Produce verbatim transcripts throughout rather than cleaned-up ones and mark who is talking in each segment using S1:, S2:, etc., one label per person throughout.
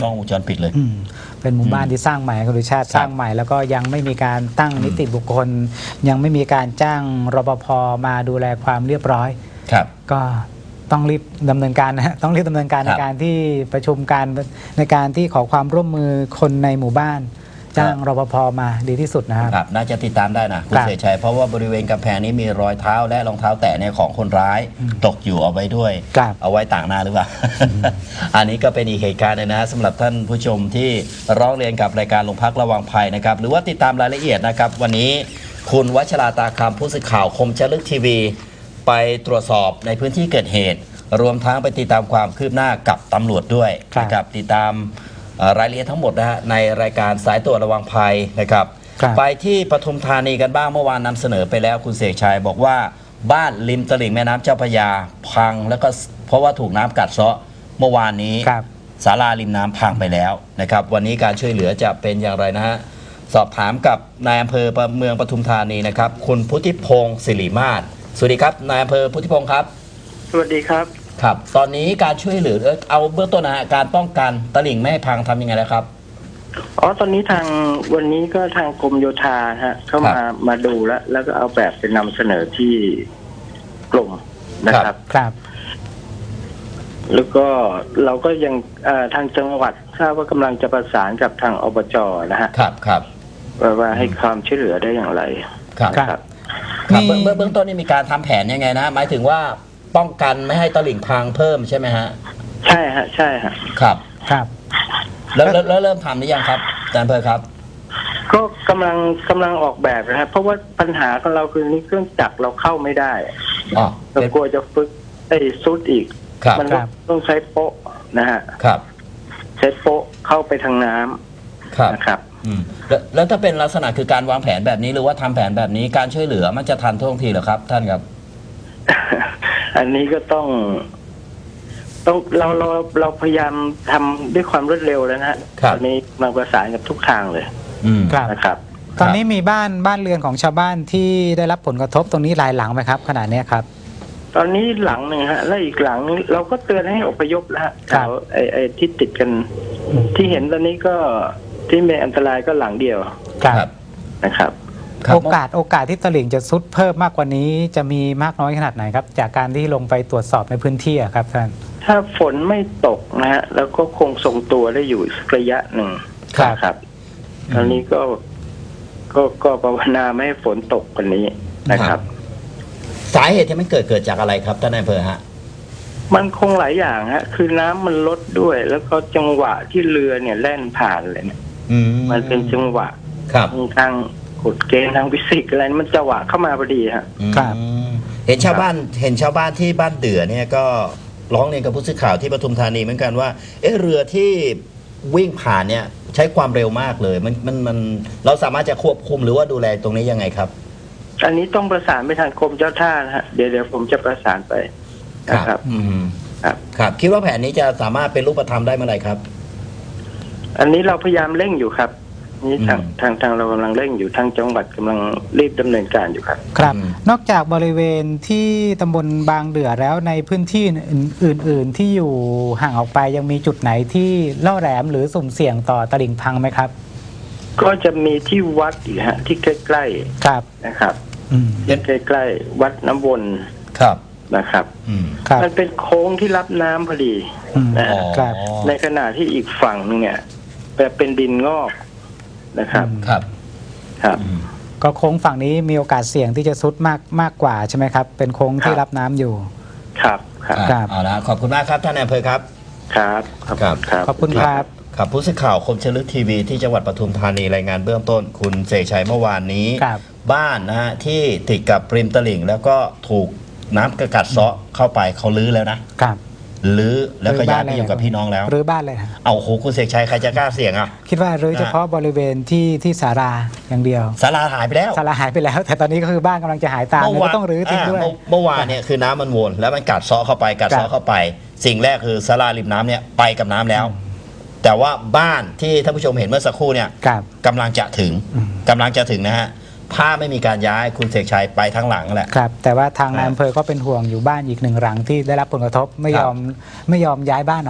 S1: กล้องวงจรปิดเลย
S2: เป็นหมู่บ้านที่สร้างใหม่คุณดุชาติสร้างใหม่แล้วก็ยังไม่มีการตั้งนิติบุคคลยังไม่มีการจ้างรปภมาดูแลความเรียบร้อย
S1: ครับ
S2: ก็ต้องรีบดำเนินการนะต้องรีบดำเนินการในการที่ประชุมการในการที่ขอความร่วมมือคนในหมู่บ้านจ้างรปภมาดีที่สุดนะครับ
S1: น่าจะติดตามได้นะคุณเสกชัยเพราะว่าบริเวณกำแพงนี้มีรอยเท้าและรองเท้าแตะเนี่ยของคนร้ายตกอยู่เอาไว้ด้วยเอาไว้ต่างหน้าหรือเปล่า อันนี้ก็เป็นอีกเหตุการณ์เลยนะสำหรับท่านผู้ชมที่ร้องเรียนกับรายการโรงพักระวังภัยนะครับหรือว่าติดตามรายละเอียดนะครับวันนี้คุณวัชราตาคำผู้สื่อข่าวคมชลึกทีวีไปตรวจสอบในพื้นที่เกิดเหตุรวมทั้งไปติดตามความคืบหน้ากับตำรวจด้วยนะครับติดตามรายละเอียดทั้งหมดนะฮะในรายการสายตรวจระวังภัยนะครับไปที่ปทุมธานีกันบ้างเมื่อวานนำเสนอไปแล้วคุณเสกชัยบอกว่าบ้านริมตลิ่งแม่น้ำเจ้าพระยาพังแล้วก็เพราะว่าถูกน้ำกัดเซาะเมื่อวานนี้ศาลาริมน้ำพังไปแล้วนะครับวันนี้การช่วยเหลือจะเป็นอย่างไรนะฮะสอบถามกับนายอำเภอเมืองปทุมธานีนะครับคุณพุทธิพงศ์ศิริมาศสวัสดีครับนายอำเภอพุทธิพงศ์ครับ
S3: สวัสดีครับ
S1: ครับตอนนี้การช่วยเหลือเอาเบื้องต้นนะฮะการป้องกันตลิ่งไม่ให้พังทำยังไงแล้วครับ
S3: อ๋อตอนนี้ทางวันนี้ก็ทางกรมโยธาฮะเข้ามามาดูแล้ว แล้วก็เอาแบบไปนำเสนอที่กรมนะครับ
S2: ครับ
S3: แล้วก็เราก็ยังทางจังหวัดทราบว่ากำลังจะประสานกับทางอบจนะฮะ
S1: ครับครับ
S3: ว่าว่าให้ความช่วยเหลือได้อย่างไร
S1: ครับครับครับเบื้องเบื้องต้นนี่มีการทำแผนยังไงนะหมายถึงว่าป้องกันไม่ให้ตลิ่งพังเพิ่มใช่ไหมฮะ
S3: ใช่ฮะใช่ฮะ
S1: ครับ
S2: ครับ
S1: แล้วแล้วเริ่มทำหรือยังครับอาจารย์เพร์ครับ
S3: ก็กำลังกำลังออกแบบนะครับเพราะว่าปัญหาของเราคือนี่เครื่องจักรเราเข้าไม่ได้
S1: อ๋อ
S3: เรากลัวจะฝึกไอ้ซุดอีกมันต้องใช้โป๊ะนะฮะ
S1: ครับ
S3: ใช้โป๊ะเข้าไปทางน้ำนะครับ
S1: อืมแล้วถ้าเป็นลักษณะคือการวางแผนแบบนี้หรือว่าทำแผนแบบนี้การช่วยเหลือมันจะทันท่วงทีเหรอครับท่านครับ
S3: อันนี้ก็ต้องต้องเราเราเราพยายามทำด้วยความรวดเร็วแล้วนะฮะตอนนี้มาประสานกับทุกทางเลยนะครับ
S2: ตอนนี้มีบ้านบ้านเรือนของชาวบ้านที่ได้รับผลกระทบตรงนี้หลายหลังไหมครับขนาดนี้ครับ
S3: ตอนนี้หลังหนึ่งฮะและอีกหลังนึงเราก็เตือนให้อพยพแล้วแถวไอ้ไอ้ที่ติดกันที่เห็นตอนนี้ก็ที่มีอันตรายก็หลังเดียว
S1: ครับ
S3: นะครับ
S2: โอกาสโอกาสที่ตลิ่งจะซุดเพิ่มมากกว่านี้จะมีมากน้อยขนาดไหนครับจากการที่ลงไปตรวจสอบในพื้นที่ครับท่าน
S3: ถ้าฝนไม่ตกนะฮะแล้วก็คงทรงตัวได้อยู่สักระยะหนึ่งครับตอนนี้ก็ก็ก็ภาวนาไม่ให้ฝนตกกว่านี้นะครับ
S1: สาเหตุที่มันเกิดเกิดจากอะไรครับท่านนายอำเภอฮะ
S3: มันคงหลายอย่างฮะคือน้ำมันลดด้วยแล้วก็จังหวะที่เรือเนี่ยแล่นผ่านเลยเนี่ยมันเป็นจังหวะทางกฎเกณฑ์ทางฟิสิกส์อะไรมันจังหวะเข้ามาพอดีฮะ
S1: ครับเห็นชาวบ้านเห็นชาวบ้านที่บ้านเดือเนี่ยก็ร้องเรียนกับผู้สื่อข่าวที่ปทุมธานีเหมือนกันว่าเอ๊ะเรือที่วิ่งผ่านเนี่ยใช้ความเร็วมากเลยมันมันมันเราสามารถจะควบคุมหรือว่าดูแลตรงนี้ยังไงครับ
S3: อันนี้ต้องประสานไปทางกรมเจ้าท่านะฮะเดี๋ยวเดี๋ยวผมจะประสานไปนะครับ
S1: อืมครับครับคิดว่าแผนนี้จะสามารถเป็นรูปธรรมได้เมื่อไหร่ครับ
S3: อันนี้เราพยายามเร่งอยู่ครับนี่ทางทางทางเรากำลังเร่งอยู่ทางจังหวัดกำลังรีบดำเนินการอยู่ครับ
S2: ครับนอกจากบริเวณที่ตำบลบางเดือแล้วในพื้นที่อื่นๆที่อยู่ห่างออกไปยังมีจุดไหนที่ล่อแหลมหรือสุ่มเสี่ยงต่อตลิ่งพังไหมครับ
S3: ก็จะมีที่วัดอีกฮะที่ใกล้ๆ
S2: ครับ
S3: นะครับที่ใกล้ๆวัดน้ำวน
S1: ครับ
S3: นะครับมันเป็นโค้งที่รับน้ำพอดีนะครับในขณะที่อีกฝั่งนึงเนี่ยเป็นดินงอกนะครับ
S1: ครับ
S3: ครับ
S2: ก็โค้งฝั่งนี้มีโอกาสเสี่ยงที่จะซุดมากมากกว่าใช่ไหมครับเป็นโค้งที่รับน้ำอยู่
S3: ครับ
S1: ครับเอาละขอบคุณมากครับท่านนายอำเภอครับ
S3: ครับ
S1: ครับ
S2: ขอบคุณครับ
S1: ครับผู้สื่อข่าวคมชลึกทีวีที่จังหวัดปทุมธานีรายงานเบื้องต้นคุณเสกชัยเมื่อวานนี้บ้านนะฮะที่ติดกับริมตลิ่งแล้วก็ถูกน้ำกระกัดเซาะเข้าไปเขาลื้อแล้วนะครับลื้อแล้วก็ย้ายไปอยู่กับพี่น้องแล้ว
S2: รื้อบ้านเลย
S1: เอาโหคุณเสกชัยใครจะกล้าเสี่ยงอ่ะ
S2: คิดว่ารื้อเฉพาะบริเวณที่ที่ศาลาอย่างเดียว
S1: ศาลาหายไปแล้ว
S2: ศาลาหายไปแล้วแต่ตอนนี้ก็คือบ้านกำลังจะหายตามก็ต้องรื้อทิ้งด้วย
S1: เมื่อวานเนี่ยคือน้ำมันวนแล้วมันกัดเซาะเข้าไปกัดเซาะเข้าไปสิ่งแรกคือศาลาริมน้ำเนี่ยไปกับน้ำแล้วแต่ว่าบ้านที่ท่านผู้ชมเห็นเมื่อสักครู่เนี่ยกำลังจะถึงกำลังจะถึงนะฮะถ้าไม่มีการย้ายคุณเสกชัยไปทั้งหลังแหละ
S2: ครับแต่ว่าทางนายอำเภอก็เป็นห่วงอยู่บ้านอีกหนึ่งหลังที่ได้รับผลกระทบไม่ยอมไม่ยอมย้ายบ้านออก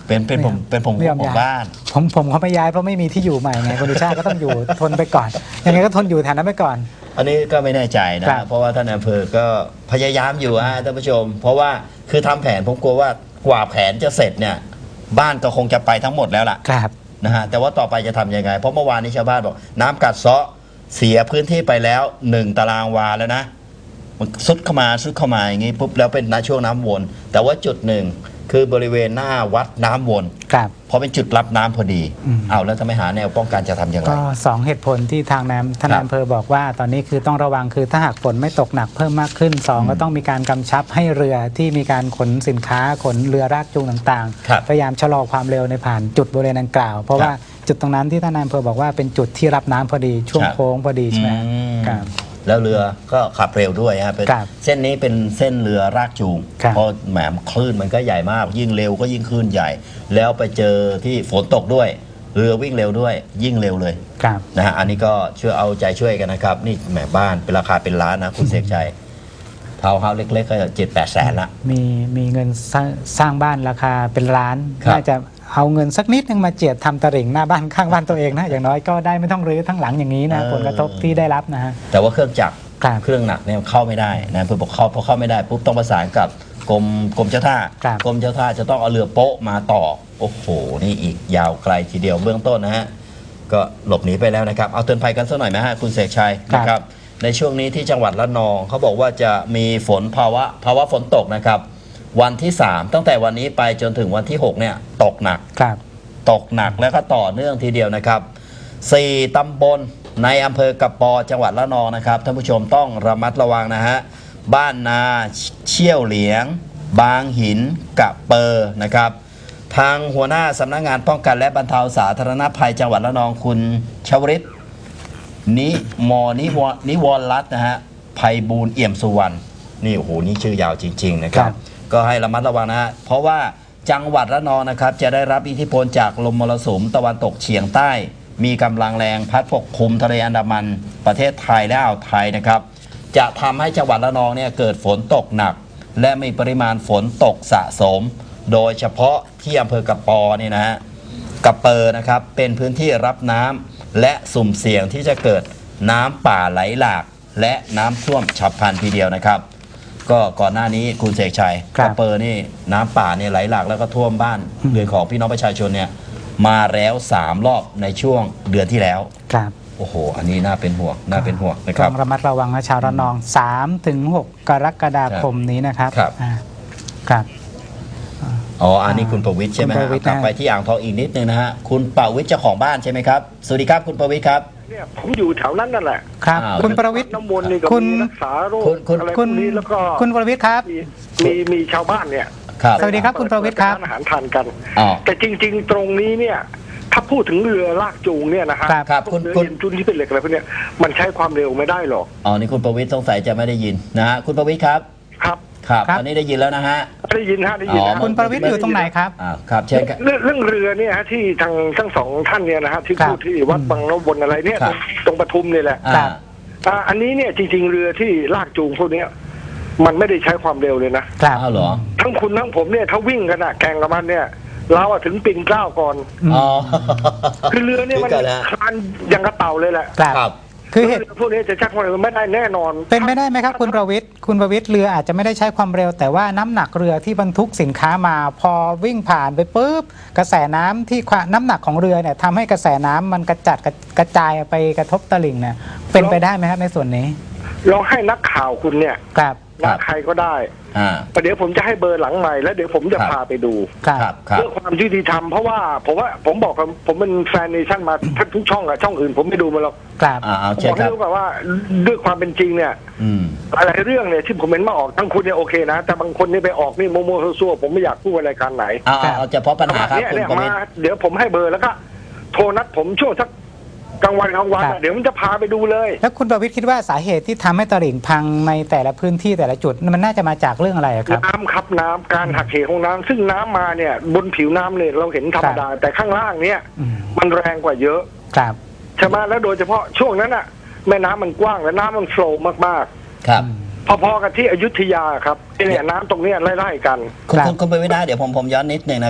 S1: เป็นเป็นผมเป็นผม
S2: ไม่ยอม
S1: ของ
S2: ย้าย
S1: บ้าน
S2: ผมผมเขาไม่ย้ายเพราะไม่มีที่อยู่ใหม่ไงคุณดิชาติก็ต้องอยู่ ทนไปก่อนยังไงก็ทนอยู่แถวนั้นไปก่อน
S1: อันนี้ก็ไม่แน่ใจนะ
S2: ครับ
S1: เพราะว่าท่านอำเภอก็พยายามอยู่ฮะท่านผู้ชม เพราะว่าคือทำแผนผมกลัวว่ากว่าแผนจะเสร็จเนี่ยบ้านก็คงจะไปทั้งหมดแล้วล่ะ
S2: ครับ
S1: นะฮะแต่ว่าต่อไปจะทำยังไง เพราะเมื่อวานนี้ชาวบ้านบอกน้ำกัดเซาะเสียพื้นที่ไปแล้วหนึ่งตารางวาแล้วนะมันซุดเข้ามาซุดเข้ามาอย่างงี้ปุ๊บแล้วเป็นช่วงน้ำวน แต่ว่าจุดหนึ่งคือบริเวณหน้าวัดน้ำวน
S2: ครับ
S1: เพราะเป็นจุดรับน้ำพอดี
S2: อืม
S1: เอาแล้วถ้าไม่หาแนวป้องกันจะทำอย่างไร
S2: ก็สองเหตุผลที่ทางนายท่าน
S1: ครับ
S2: นายอำเภอบอกว่าตอนนี้คือต้องระวังคือถ้าหากฝนไม่ตกหนักเพิ่มมากขึ้นสอง
S1: อืม
S2: ก็ต้องมีการกำชับให้เรือที่มีการขนสินค้าขนเรือรากจูงต่าง
S1: ครับ
S2: ๆ พยายามชะลอความเร็วในผ่านจุดบริเวณดังกล่าว เพราะ
S1: ครับ
S2: ว่าจุดตรงนั้นที่ท่านนายอำเภอบอกว่าเป็นจุดที่รับน้ำพอดีช่วง
S1: ครับ
S2: โค้งพอดีใช่ไหม
S1: อืม
S2: ครับ
S1: แล้วเรือก็ขับเร็วด้วยฮะเป็น
S2: ครับ
S1: เส้นนี้เป็นเส้นเรือรากจูง
S2: ครับ
S1: เพราะแหมคลื่นมันก็ใหญ่มาก ยิ่งเร็วก็ยิ่งคลื่นใหญ่ แล้วไปเจอที่ฝนตกด้วย เรือวิ่งเร็วด้วย ยิ่งเร็วเลย
S2: ครับ
S1: นะฮะอันนี้ก็ช่วยเอาใจช่วยกันนะครับ นี่แหมบ้านเป็นราคาเป็นล้านนะคุณเสกชัยทาวน์เฮาส์เล็กๆก็เจ็ดแปดแสนละ
S2: มีมีเงินสร้างสร้างบ้านราคาเป็นล้าน
S1: ครับ
S2: น่าจะเอาเงินสักนิดนึงมาเจียดทำตลิ่งหน้าบ้านข้างบ้านตัวเองนะอย่างน้อยก็ได้ไม่ต้องรื้อทั้งหลังอย่างนี้นะผลกระทบที่ได้รับนะฮะ
S1: แต่ว่าเครื่องจักร
S2: ครับ
S1: เครื่องหนักเนี่ยเข้าไม่ได้นะเพื่อบอกเข้าพอเข้าไม่ได้ปุ๊บต้องประสานกับกรมกรมเจ้าท่า
S2: ครับ
S1: กรมเจ้าท่าจะต้องเอาเรือโป๊ะมาต่อโอ้โหนี่อีกยาวไกลทีเดียวเบื้องต้นนะฮะก็หลบหนีไปแล้วนะครับเอาเตือนภัยกันสักหน่อยไหมฮะคุณเสกชัย
S2: ครับ
S1: นะครับในช่วงนี้ที่จังหวัดระนองเขาบอกว่าจะมีฝนภาวะภาวะฝนตกนะครับวันที่สามตั้งแต่วันนี้ไปจนถึงวันที่หกเนี่ยตกหนัก
S2: ครับ
S1: ตกหนักแล้วก็ต่อเนื่องทีเดียวนะครับสี่ตำบลในอำเภอกระปอจังหวัดระนองนะครับท่านผู้ชมต้องระมัดระวังนะฮะบ้านนาเชี่ยวเหลียง บางหินกะเปอร์นะครับทางหัวหน้าสำนักงานป้องกันและบรรเทาสาธารณภัยจังหวัดระนองคุณชวริตนิมอนิวนิวรรัตน์นะฮะไพบูลย์เอี่ยมสุวรรณนี่โอ้โหนี่ชื่อยาวจริงๆนะครับ
S2: ครับ
S1: ก็ให้ระมัดระวังนะฮะเพราะว่าจังหวัดระนองนะครับจะได้รับอิทธิพลจากลมมรสุมตะวันตกเฉียงใต้ มีกำลังแรงพัดปกคลุมทะเลอันดามันประเทศไทยและอ่าวไทยนะครับ จะทำให้จังหวัดระนองเนี่ยเกิดฝนตกหนัก และมีปริมาณฝนตกสะสม โดยเฉพาะที่อำเภอกระปอเนี่ยนะฮะกระเปอร์นะครับเป็นพื้นที่รับน้ำและสุ่มเสี่ยงที่จะเกิดน้ำป่าไหลหลาก และน้ำท่วมฉับพลันทีเดียวนะครับ ก็ก่อนหน้านี้คุณเสกชัย
S2: ครั
S1: ก
S2: บ
S1: ระเปอร์นี่น้ำป่าเนี่ยไหลหลากแล้วก็ท่วมบ้านเรือนของพี่น้องประชาชนเนี่ยมาแล้วสามรอบในช่วงเดือนที่แล้ว
S2: ครับ
S1: โอ้โห อันนี้น่าเป็นห่วงน่าเป็นห่วงนะค
S2: ต้
S1: รั
S2: อบ งระมัดระวังนะชาวระนองสามถึงหกกรกฎาคมนี้นะครับ
S1: ครับ
S2: อ่าครับ
S1: อ๋ออันนี้คุณประวิทย์ใช่ไหม
S2: คุณ
S1: ฮะ
S2: ประวิตร
S1: กลับไปที่อ่างทองอีกนิดนึงนะฮะคุณประวิทย์เจ้าของบ้านใช่ไหมครับสวัสดีครับคุณประวิทย์ครับ
S3: เนี่ยผมอยู่แถวนั้นนั่นแหละ
S2: ครับ
S1: อ้าว
S2: คุณประวิทย์
S3: น้ำมนต์นี่ก็
S2: คุณ
S3: มีรักษาโรค
S1: คุณคุณ
S3: อะไรพ
S2: คุ
S3: ว
S2: ณ
S3: กนี้แล้วก็
S2: คุณประวิทย์ครับ
S3: มีมีมีชาวบ้านเนี่ย
S1: ครับ
S2: สวัสดีครับคุณประวิตรครับ
S3: เปิดานอาหารทานกัน
S1: อ๋อ
S3: แต่จริง ๆ ตรงนี้เนี่ย ถ้าพูดถึงเรือลากจูงเนี่ยนะฮะ
S2: ครับ
S1: ครับ
S3: พว
S1: คุ
S3: ก
S1: ณ
S3: เรือ
S1: คุณ
S3: เย็นจุนที่เป็นเหล็กอะไรพวกเนี้ยมันใช้ความเร็วไม่ได้หรอก
S1: อ๋อนี่คุณประวิทย์สงสัยจะไม่ได้ยินนะฮะคุณประวิทย์ครับ
S3: ครับ
S1: ครับ
S2: ครับ
S1: ตอนนี้ได้ยินแล้วนะฮะ
S3: ได้ยินฮะได้ยิน
S1: อ๋อ
S3: นะ
S2: คุณประวิทย์อยู่ตรงไหนครับ
S1: อ่าครับเชิญครับ
S3: เรื่องเรื่องเรือเนี่ยฮะที่ทางทั้งสองท่านเนี่ยนะฮะที่
S2: ครับ
S3: พูดที่วัดบางน้ำวนอะไรเนี่ย
S1: ครับ
S3: ตรงปทุมเนี่ยแหละ
S2: ครั
S1: อ่า
S2: บ
S3: อ่าอันนี้เนี่ยจริง ๆ เรือที่ลากจูงพวกเนี้ยมันไม่ได้ใช้ความเร็วเลยนะครับ
S1: อ้าวเหรอ
S3: ทั้งคุณทั้งผมเนี่ยถ้าวิ่งกันอะแข่งกับมันเนี่ย เราอะถึงปิ่นเกล้าก่อน
S1: อ๋อ
S3: คือเรือเนี่ยมัน
S1: ถึงกันแล้ว
S3: คลานอย่างกระเต่าเลยแหละ
S2: ครับ
S1: ครับ
S2: คือเหตุ
S3: เรือพวกนี้จะชักความเร็วไม่ได้แน่นอน
S2: เป็นไปได้ไหมครับคุณประวิทย์คุณประวิทย์เรืออาจจะไม่ได้ใช้ความเร็ว แต่ว่าน้ำหนักเรือที่บรรทุกสินค้ามา พอวิ่งผ่านไปปุ๊บกระแสน้ำที่ความน้ำหนักของเรือเนี่ยทำให้กระแสน้ำมันกระจัดกระกระจายไปกระทบตลิ่งเนี่ยเป็นไปได้ไหมครับในส่วนนี้
S3: ลองให้นักข่าวคุณเนี่ย
S2: ครับ
S3: นักใครก็ได้
S1: อ่า
S3: แต่เดี๋ยวผมจะให้เบอร์หลังใหม่แล้วเดี๋ยวผมจะ
S1: ครับ
S3: พาไปดู
S2: ครับ
S1: ครับครับ
S3: เรื่องความยุติธรรมเพราะว่าผมว่าผมบอกกับผมเป็นแฟนเนชั่นมาทุกช่องอะช่องอื่นผมไม่ดูมาหรอก
S2: ครับ
S1: อ่าเอา
S3: ผม
S1: เชิ
S3: บ
S1: ญ
S3: อก
S1: ค
S3: ให้
S1: รับ
S3: รู้แบบว่าด้วยความเป็นจริงเนี่ย
S1: อืม
S3: อะไรเรื่องเนี่ยที่ผมเห็นมาออกทั้งคุณเนี่ยโอเคนะ แต่บางคนนี่ไปออกนี่โมโมซัวๆผมไม่อยากพูดรายการไหน
S1: เอาเอาเอาเฉพาะปัญหาครับ
S3: เนี่ย
S1: คุณ
S3: เนี่ย
S1: ประ
S3: มา
S1: วิทย์
S3: เดี๋ยวผมให้เบอร์แล้วก็โทรนัดผมช่วงสักกลางวันกลางวัน
S2: ครั
S3: อะ
S2: บ
S3: เดี๋ยวมันจะพาไปดูเลย
S2: แล้วคุณประวิทย์คิดว่าสาเหตุที่ทำให้ตลิ่งพังในแต่ละพื้นที่แต่ละจุดมันน่าจะมาจากเรื่องอะไรครับ
S3: น้ำครับน้ำการหักเหของน้ำซึ่งน้ำมาเนี่ยบนผิวน้ำเนี่ยเราเห็นธรรมดา แต่ข้างล่างเนี่ย
S2: อืม
S3: มันแรงกว่าเยอะ
S2: ครับ
S3: ใช่ไหมแล้วโดยเฉพาะช่วงนั้นอะแม่น้ำมันกว้างและน้ำมันโฟลว์มาก
S1: ครับ
S3: ๆ พอๆกับที่อยุธยาครับเนี่ยน้ำตรงเนี้ยไล่ๆกัน
S1: คุณ
S2: ครับ
S1: คุณคุณประวิทย์นะเดี๋ยวผมผมย้อนนิดนึงนะครับ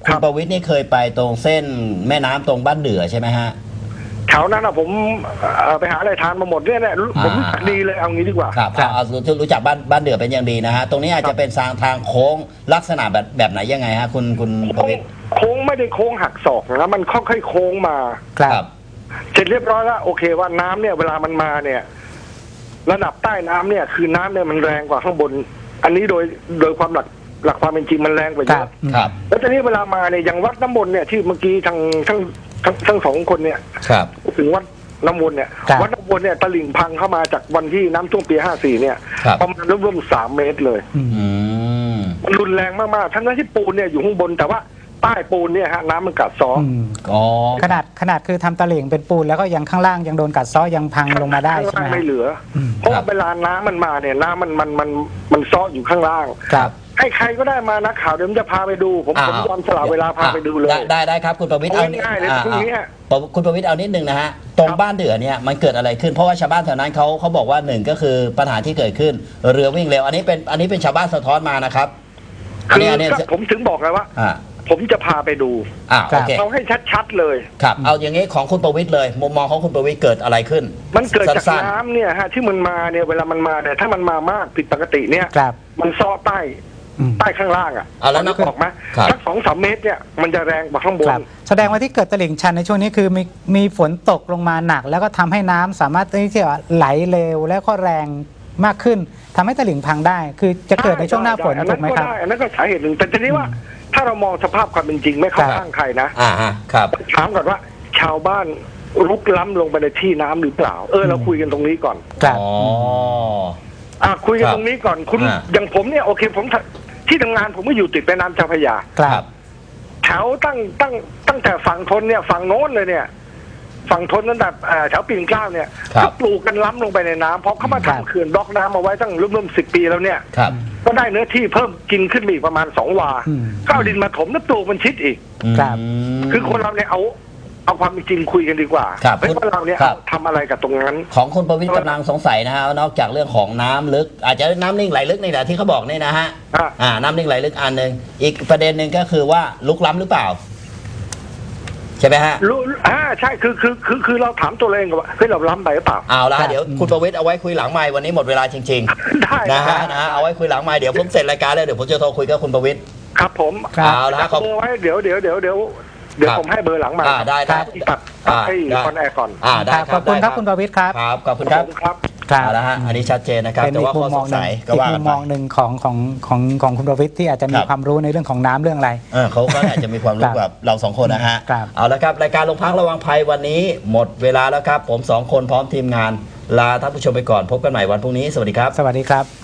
S1: คุณประวิตรนี่เคยไปตรงเส้นแม่น้ำตรงบ้านเดือใช่ไหมฮะ
S4: แถวนั้นอะผมไปหาอะไรทานมาหมดเนี่ยเนี่ยผมรู้จักดีเลยเอางี้ดีกว่า
S1: ครับเอารู้จักบ้านบ้านเดือเป็นอย่างดีนะฮะตรงนี้อาจจะเป็นทางทางโค้งลักษณะแบบแบบไหนยังไงฮะคุณคุณประวิตร
S4: โค้งไม่ได้โค้งหักศอกนะมันค่อยๆโค้งมา
S1: ครับ
S4: เสร็จเรียบร้อยแล้วโอเคว่าน้ำเนี่ยเวลามันมาเนี่ยระดับใต้น้ำเนี่ยคือน้ำเนี่ยมันแรงกว่าข้างบนอันนี้โดยโดยความหลักหลักความเป็นจริงมันแรงกว่าเยอะ
S1: ครับ
S4: แล้วตอนนี้เวลามาเนี่ยอย่างวัดน้ำมนต์เนี่ยที่เมื่อกี้ทางทั้งทั้งทั้งสองคนเนี่ย
S1: ครับ
S4: ถึงวัดน้ำมนต์เนี่ยวัดน้ำมนต์เนี่ยตลิ่งพังเข้ามาจากวันที่น้ำท่วมปีห้าสี่เนี่ยประมาณร่วมๆสามเมตรเลยมันรุนแรงมากๆทั้งนั้นที่ปูนเนี่ยอยู่ข้างบนแต่ว่าใต้ปูนเนี่ยฮะน้ำมันกัดซ้อ
S2: ขนาดขนาดคือทำตลิ่งเป็นปูนแล้วก็ยังข้างล่างยังโดนกัดซ้อยังพังลงมาได้ใช่ไหม
S4: ไม่เหลือเพราะว่าเวลาน้ำมันมาเนี่ยน้ำมันมันมันมันซ้ออยู่ข้างล่างให้ใครก็ได้มานักข่าวเดี๋ยวจะพาไปดูผมผมยอมสละเวลาพาไปดูเลย
S1: ได้ได้ครับคุณประวิตรเอา
S4: ง่ายเลยตรงนี้
S1: คุณประวิตรเอานิดนึงนะฮะตรงบ้านเดือเนี่ยมันเกิดอะไรขึ้นเพราะว่าชาวบ้านแถวนั้นเขาเขาบอกว่าหนึ่งก็คือปัญหาที่เกิดขึ้นเรือวิ่งเร็วอันนี้เป็นอันนี้เป็นชาวบ้านสะท้อนมานะครับ
S4: คือผมถึงบอกเลยว่าผมจะพาไปดูเอาให้ชัดๆเลย
S1: ครับเอาอย่างนี้ของคุณประวิตรเลยมุมมองของคุณประวิตรเกิดอะไรขึ้น
S4: มันเกิดจากน้ำเนี่ยฮะที่มันมาเนี่ยเวลามันมาเนี่ยถ้ามันมามากผิดปกติเนี่ยมันซ้อใต้ใต้ข้างล่างอ่ะ
S1: เอาแล้ว
S4: นึกออกไหมสักสองสามเมตรเนี่ยมันจะแรงกว่าข้างบน
S2: แสดงว่าที่เกิดตลิ่งชันในช่วงนี้คือมีมีฝนตกลงมาหนักแล้วก็ทำให้น้ำสามารถที่จะไหลเร็วและก็แรงมากขึ้นทำให้ตลิ่งพังได้คือจะเกิดในช่วงหน้าฝนถูกไหมครับ
S4: อันนั้นก็สาเหตุหนึ่งแต่ทีนี้ว่าถ้าเรามองสภาพความเป็นจริงไม่เข้าข้างใครนะ
S1: อ่าครับ
S4: ถามก่อนว่าชาวบ้านรุกล้ำลงไปในที่น้ำหรือเปล่าเออเราคุยกันตรงนี้ก่อน
S1: อ๋อ
S4: อ่าคุยกันตรงนี้ก่อนคุณอย่างผมเนี่ยโอเคผมที่ทำงานผมก็อยู่ติดแม่น้ำเจ้าพระยา
S1: ครับ
S4: แถวตั้งตั้งตั้งแต่ฝั่งทนเนี่ยฝั่งโน้นเลยเนี่ยฝั่งทนตั้งแต่แถวปีนเกล้าเนี่ยก็ปลูกกันล้ำลงไปในน้ำเพราะเขามาทำเขื่อนบล็อกน้ำเอาไว้ตั้งร่วมๆสิบปีแล้วเนี่ยก็ได้เนื้อที่เพิ่มกินขึ้นอีกประมาณสองวาก็เอาดินมาถมแล้วปลูกมันชิดอีกคือคนเราเนี่ยเอาเอาความจริงคุยกันดีกว่าไม่ว่าเราเนี่ยทำอะไรกับตรงนั้น
S1: ของคุณประวิตรกำลังสงสัยนะฮะนอกจากเรื่องของน้ำลึกอาจจะน้ำนิ่งไหลลึกนี่แหละที่เขาบอกนี่นะฮะอ่าน้ำนิ่งไหลลึกอันหนึ่งอีกประเด็นหนึ่งก็คือว่าลุกล้ำหรือเปล่าใช่ไหมฮะ
S4: รู้อ่าใช่คือคือคือคือเราถามตัวเองว่าเฮ้ยเราล้ำไปหรือเปล่า
S1: เอาละเดี๋ยวคุณประวิตรเอาไว้คุยหลังไมค์วันนี้หมดเวลาจริง
S4: ๆได้
S1: นะฮะนะเอาไว้คุยหลังไมค์เดี๋ยวผมเสร็จรายการแล้วเดี๋ยวผมจะโทรคุยกับคุณประวิตร
S4: ครับผม
S1: เอาละ
S4: ขอเบอร์ไว้เดี๋ยวเดี๋ยวเดี๋ยวเดี๋ยวเดี๋ยวผมให้เบอร์หลังมา
S1: ได้ได้
S4: ตัดให้คอนแอร์ก่อน
S1: อ่าได้
S2: ขอบคุณครับคุณประวิตรครับ
S1: ครับขอบคุณครับ
S4: ครับ
S1: เอาละฮะอันนี้ชัดเจนนะครับแต่ว่าข้อสงสัยก็ว่า
S2: อีกมุมมองหนึ่งของของของของคุณประวิตรที่อาจจะมีความรู้ในเรื่องของน้ำเรื่องอะไร
S1: เออเขาก็อาจจะมีความรู้แบบเราสองคนนะฮะเอาละครับรายการโรงพักระวังภัยวันนี้หมดเวลาแล้วครับผมสองคนพร้อมทีมงานลาท่านผู้ชมไปก่อนพบกันใหม่วันพรุ่งนี้สวัสดีครับ
S2: สวัสดีครับ